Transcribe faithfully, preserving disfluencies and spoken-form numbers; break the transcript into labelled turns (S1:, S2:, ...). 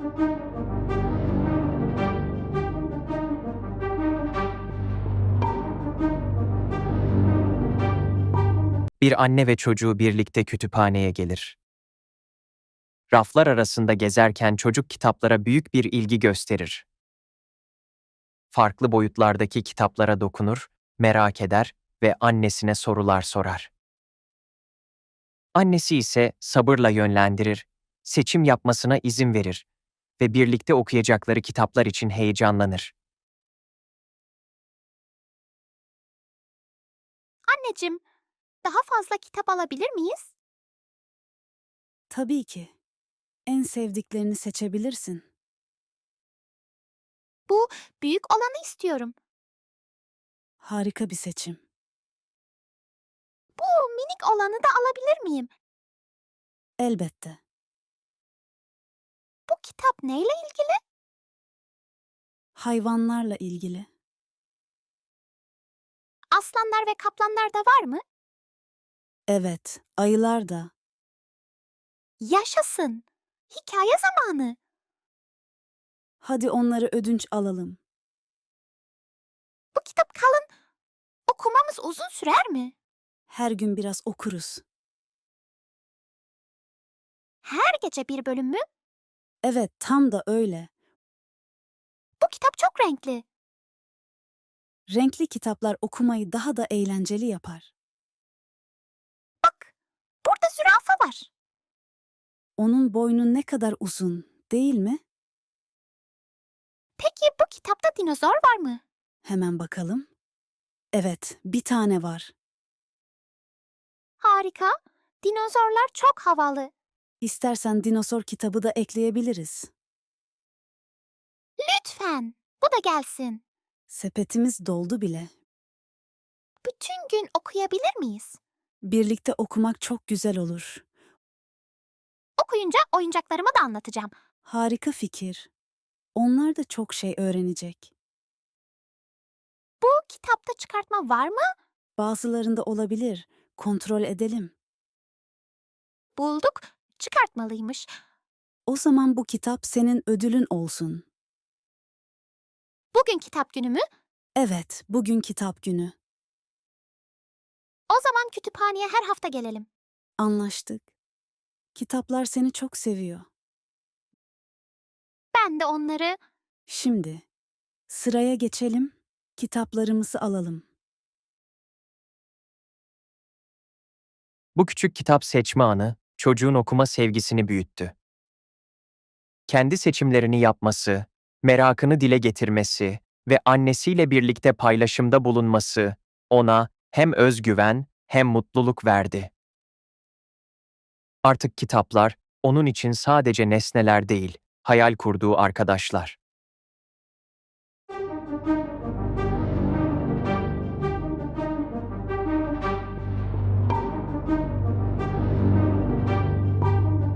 S1: Bir anne ve çocuğu birlikte kütüphaneye gelir. Raflar arasında gezerken çocuk kitaplara büyük bir ilgi gösterir. Farklı boyutlardaki kitaplara dokunur, merak eder ve annesine sorular sorar. Annesi ise sabırla yönlendirir, seçim yapmasına izin verir ve birlikte okuyacakları kitaplar için heyecanlanır.
S2: Anneciğim, daha fazla kitap alabilir miyiz?
S3: Tabii ki. En sevdiklerini seçebilirsin.
S2: Bu büyük olanı istiyorum.
S3: Harika bir seçim.
S2: Bu minik olanı da alabilir miyim?
S3: Elbette.
S2: Bu kitap neyle ilgili?
S3: Hayvanlarla ilgili.
S2: Aslanlar ve kaplanlar da var mı?
S3: Evet, ayılar da.
S2: Yaşasın. Hikaye zamanı.
S3: Hadi onları ödünç alalım.
S2: Bu kitap kalın. Okumamız uzun sürer mi?
S3: Her gün biraz okuruz.
S2: Her gece bir bölüm mü?
S3: Evet, tam da öyle.
S2: Bu kitap çok renkli.
S3: Renkli kitaplar okumayı daha da eğlenceli yapar.
S2: Bak, burada zürafa var.
S3: Onun boynu ne kadar uzun, değil mi?
S2: Peki bu kitapta dinozor var mı?
S3: Hemen bakalım. Evet, bir tane var.
S2: Harika. Dinozorlar çok havalı.
S3: İstersen dinozor kitabı da ekleyebiliriz.
S2: Lütfen. Bu da gelsin.
S3: Sepetimiz doldu bile.
S2: Bütün gün okuyabilir miyiz?
S3: Birlikte okumak çok güzel olur.
S2: Okuyunca oyuncaklarıma da anlatacağım.
S3: Harika fikir. Onlar da çok şey öğrenecek.
S2: Bu kitapta çıkartma var mı?
S3: Bazılarında olabilir. Kontrol edelim.
S2: Bulduk. Çıkartmalıymış.
S3: O zaman bu kitap senin ödülün olsun.
S2: Bugün kitap günü mü?
S3: Evet, bugün kitap günü.
S2: O zaman kütüphaneye her hafta gelelim.
S3: Anlaştık. Kitaplar seni çok seviyor.
S2: Ben de onları...
S3: Şimdi sıraya geçelim. Kitaplarımızı alalım.
S1: Bu küçük kitap seçme anı, çocuğun okuma sevgisini büyüttü. Kendi seçimlerini yapması, merakını dile getirmesi ve annesiyle birlikte paylaşımda bulunması ona hem özgüven hem mutluluk verdi. Artık kitaplar onun için sadece nesneler değil, hayal kurduğu arkadaşlar.